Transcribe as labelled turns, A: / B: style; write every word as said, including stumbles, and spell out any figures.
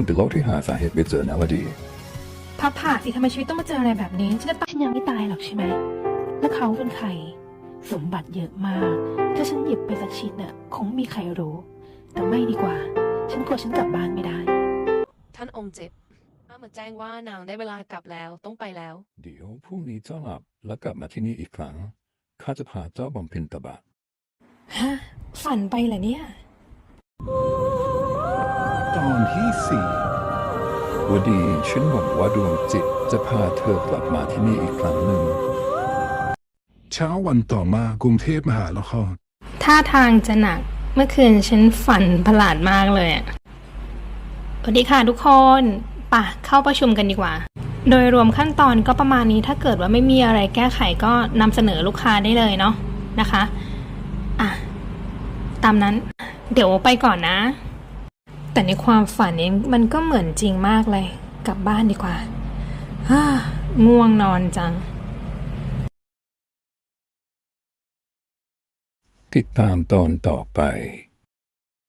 A: คนติดโรคที่หาสาเหตุไม่เจอนะวดี
B: พับผ่าสิทำไมชีวิตต้องมาเจออะไรแบบนี้ฉันจะตายฉันยังไม่ตายหรอกใช่ไหมแล้วเขาเป็นใครสมบัติเยอะมากถ้าฉันหยิบไปสักชิ้นน่ะคงไม่มีใครรู้แต่ไม่ดีกว่าฉันกลัวฉันกลับบ้านไม่ได้
C: ท่านองค์เจ็บข้ามาแจ้งว่านางได้เวลากลับแล้วต้องไปแล้ว
A: เดี๋ยวพรุ่งนี้เจ้าหลับแล้วกลับมาที่นี่อีกครั้งข้าจะพาเจ้าบำเพ็ญตบะ
B: ฮะฝันไปเหรอเนี่ย
A: ตอนที่สี่วดีฉันหวังว่าดวงจิตจะพาเธอกลับมาที่นี่อีกครั้งหนึ่ง
D: เช้าวันต่อมากรุงเทพมหานคร
B: ท่าทางจะหนักเมื่อคืนฉันฝันประหลาดมากเลยอ่ะสวัสดีค่ะทุกคนป่ะเข้าประชุมกันดีกว่าโดยรวมขั้นตอนก็ประมาณนี้ถ้าเกิดว่าไม่มีอะไรแก้ไขก็นำเสนอลูกค้าได้เลยเนาะนะคะอ่ะตามนั้นเดี๋ยวไปก่อนนะแต่ในความฝันเองมันก็เหมือนจริงมากเลยกลับบ้านดีกว่าฮ่าง่วงนอนจัง
A: ติดตามตอนต่อไป